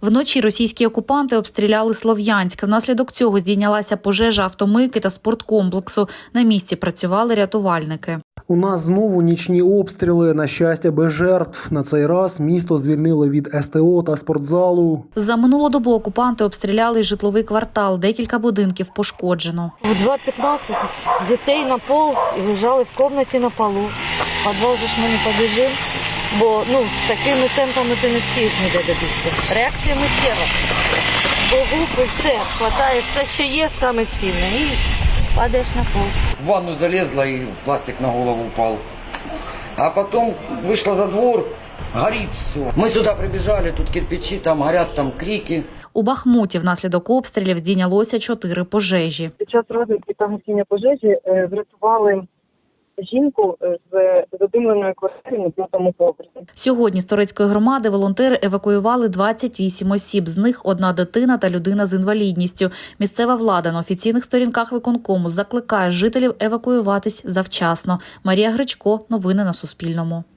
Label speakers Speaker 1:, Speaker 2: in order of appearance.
Speaker 1: Вночі російські окупанти обстріляли Слов'янськ. Внаслідок цього здійнялася пожежа автомийки та спорткомплексу. На місці працювали рятувальники.
Speaker 2: У нас знову нічні обстріли, на щастя, без жертв. На цей раз місто звільнили від СТО та спортзалу.
Speaker 1: За минулу добу окупанти обстріляли й житловий квартал. Декілька будинків пошкоджено.
Speaker 3: В 2:15 дітей на пол і лежали в кімнаті на полу. В підвал же ж ми не побіжимо, бо з такими темпами ти не спієш ніде добігти. Реакція миттєва. Бо губи, все, хватає все, що є, саме цінне, і падаєш на пол.
Speaker 4: В ванну залезла и пластик на голову упал. А потом вышла за двор, горит все. Мы сюда прибежали, тут кирпичи, там горят, там крики.
Speaker 1: У Бахмуті внаслідок обстрілів здійнялося 4 пожежі.
Speaker 5: Під час розвідки та гасіння пожежі врятували жінку з задимленої квартири на 5-му поверсі.
Speaker 1: Сьогодні з Торецької громади волонтери евакуювали 28 осіб. З них 1 дитина та людина з інвалідністю. Місцева влада на офіційних сторінках виконкому закликає жителів евакуюватись завчасно. Марія Гречко. Новини на Суспільному.